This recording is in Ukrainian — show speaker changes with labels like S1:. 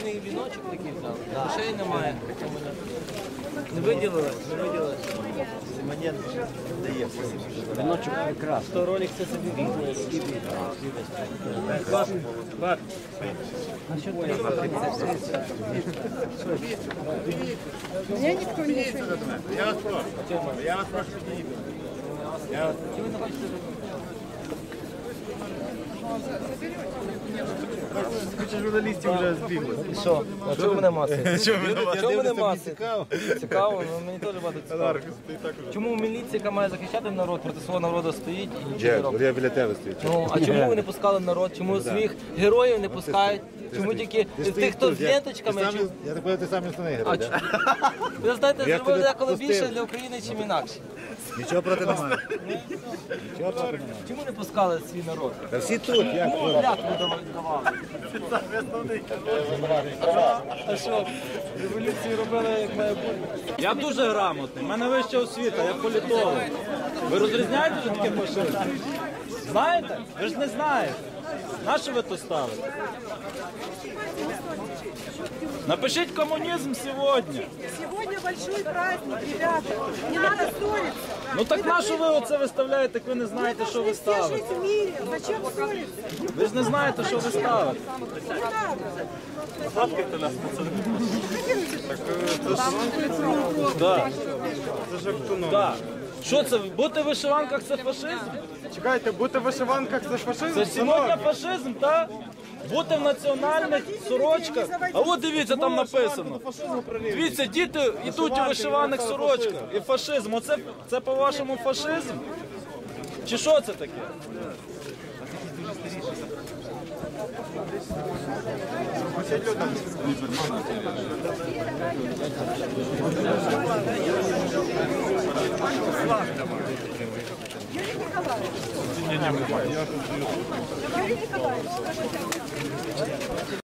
S1: Традиційний віночок такий взяв. Грошей немає. Не виділили? Не виділили.
S2: Віночок прекрасний.
S1: То ролик це собі візьме. Бат.
S3: Мне никто ничего не говорит.
S4: Я вас прошу. Куча журналістів вже збігли.
S1: Що? А чого мене масить? Чого мене масить?
S4: Цікаво.
S1: Цікаво, ну мені теж багато цікаво. Чому міліція, яка має захищати народ, проти свого народу стоїть і нічого не робить?
S4: Я біля тебе стою.
S1: Ну, а чому ви не пускали народ? Чому своїх героїв не пускають? Чому тільки тих, хто з ленточками?
S4: Я так понял, ти сам основний герой, так?
S1: Ви знаєте,
S4: Я
S1: зробили
S4: тебе
S1: деколи
S4: пустив.
S1: більше для України, чим інакше.
S4: Нічого проти немає.
S1: Чому не пускали свій народ?
S4: Та всі тут, як?
S1: Кому клятву давали? А що, революцію робили, як має бути?
S5: Я дуже грамотний, в мене вища освіта, я політолог. Ви розрізняєте, що таке фашизм? Знаєте? Ви ж не знаєте. Нащо ви то ставите? Напишіть комунізм сьогодні.
S3: Сегодня большой праздник, ребята. Не надо ссориться.
S5: Ну так нащо ви оце виставляєте, як ви не знаєте, що ви
S3: Все
S5: ставите?
S3: жить в мире. Зачем ссориться?
S5: Ви ж не знаєте, що ви ставите.
S3: Не надо.
S5: Так. Так. Що це? Бути в вишиванках це фашизм?
S6: Чекайте, бути в вишиванках це фашизм?
S5: Це сьогодні фашизм, так? Бути в національних сорочках. А от дивіться, там написано. Дивіться, діти йдуть у вишиваних сорочках. І фашизм. Оце це по-вашому фашизм? Чи що це таке?
S3: Юрий Николаевич, скажите.